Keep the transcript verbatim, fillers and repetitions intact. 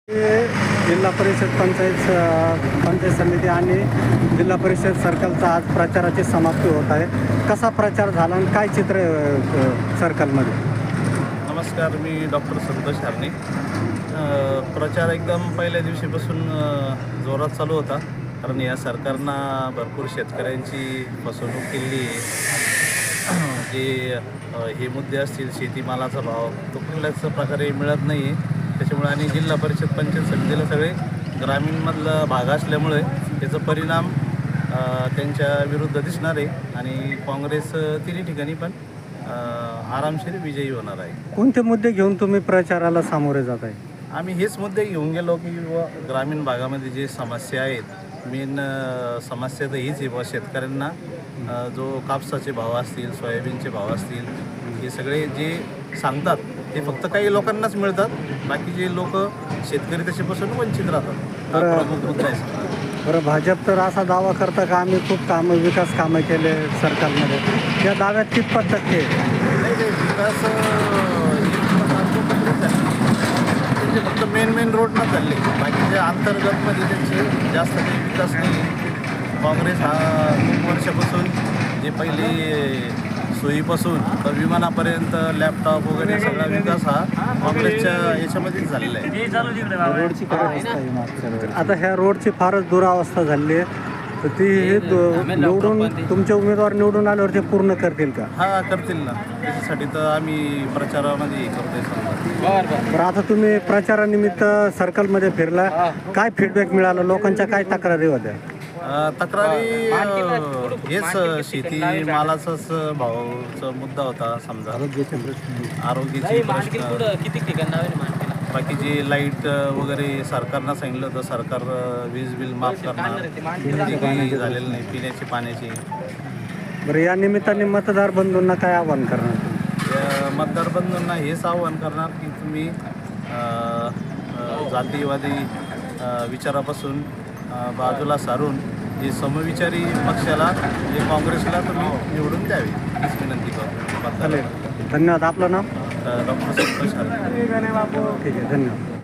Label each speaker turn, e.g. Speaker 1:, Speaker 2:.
Speaker 1: जिल्हा परिषद पंचायत पंचायत समिती आणि जिल्हा परिषद सर्कलचा आज प्रचाराची समाप्ती होत आहे. कसा प्रचार झाला आणि काय चित्र आहे सर्कलमध्ये?
Speaker 2: नमस्कार, मी डॉक्टर संतोष हरणे. प्रचार एकदम पहिल्या दिवशीपासून जोरात चालू होता, कारण या सरकारनं भरपूर शेतकऱ्यांची फसवणूक केली. जे हे मुद्दे असतील, शेतीमालाचा भाव तो कुठल्याच प्रकारे मिळत नाही आहे. त्याच्यामुळे आणि जिल्हा परिषद पंचायत समितीला सगळे ग्रामीणमधला भाग असल्यामुळे त्याचा परिणाम त्यांच्या विरुद्ध दिसणार आहे आणि काँग्रेस तिन्ही ठिकाणी पण आरामशीर विजयी होणार आहे.
Speaker 1: कोणते मुद्दे घेऊन तुम्ही प्रचाराला सामोरे जात आहे?
Speaker 2: आम्ही हेच मुद्दे घेऊन गेलो की व ग्रामीण भागामध्ये जे समस्या आहेत, मेन समस्या तर हीच आहे बुवा, शेतकऱ्यांना जो कापसाचे भाव असतील, सोयाबीनचे भाव असतील, हे सगळे जे सांगतात ते फक्त काही लोकांनाच मिळतात, बाकी जे लोक शेतकरी त्याच्यापासून वंचित राहतात. हा प्रमुख मुद्दा आहे.
Speaker 1: बरं, भाजप तर असा दावा करता का आम्ही खूप कामं विकास कामं केले सरकारमध्ये, त्या दाव्यात कितपत टक्के?
Speaker 2: नाही नाही, विकास त्यांचे फक्त मेन मेन रोडनं चालले, बाकीचे अंतर्गतमध्ये त्यांचे जास्त काही विकास नाही. काँग्रेस हा खूप वर्षापासून जे पहिले सोयीपासून तर विमानापर्यंत लॅपटॉप वगैरे सगळा विकास हा काँग्रेसच्या याच्यामध्येच झालेला आहे.
Speaker 1: रोडची आता ह्या रोडची फारच दुरावस्था झाली आहे, तर ती हे निवडून तुमचे उमेदवार निवडून आल्यावर ते पूर्ण करतील का?
Speaker 2: हा, करतील ना. त्याच्यासाठी तर आम्ही प्रचारामध्ये करतोय समजा.
Speaker 1: बरं, आता तुम्ही प्रचारानिमित्त सर्कलमध्ये फिरला, काय फीडबॅक मिळाला? लोकांच्या काय तक्रारी होत्या?
Speaker 2: तक्रारी हेच शेती मालाचाच भावाचा मुद्दा होता समजा, आरोग्याची प्रश्न, बाकी जे लाईट वगैरे सरकारनं सांगितलं होतं, सरकार वीज बिल माफ करणार, ते काही झालेलं नाही. पिण्याची पाण्याची.
Speaker 1: बरं, या निमित्ताने मतदार बंधूंना काय आवाहन करणार?
Speaker 2: या मतदार बंधूंना हेच आवाहन करणार की तुम्ही जातीवादी विचारापासून बाजूला सारून जे समविचारी पक्षाला, जे काँग्रेसला तुम्ही निवडून द्यावी हीच विनंती करतो.
Speaker 1: धन्यवाद. आपलं नाव?
Speaker 2: डॉक्टर संतोष हरणे.
Speaker 1: ठीक आहे, धन्यवाद.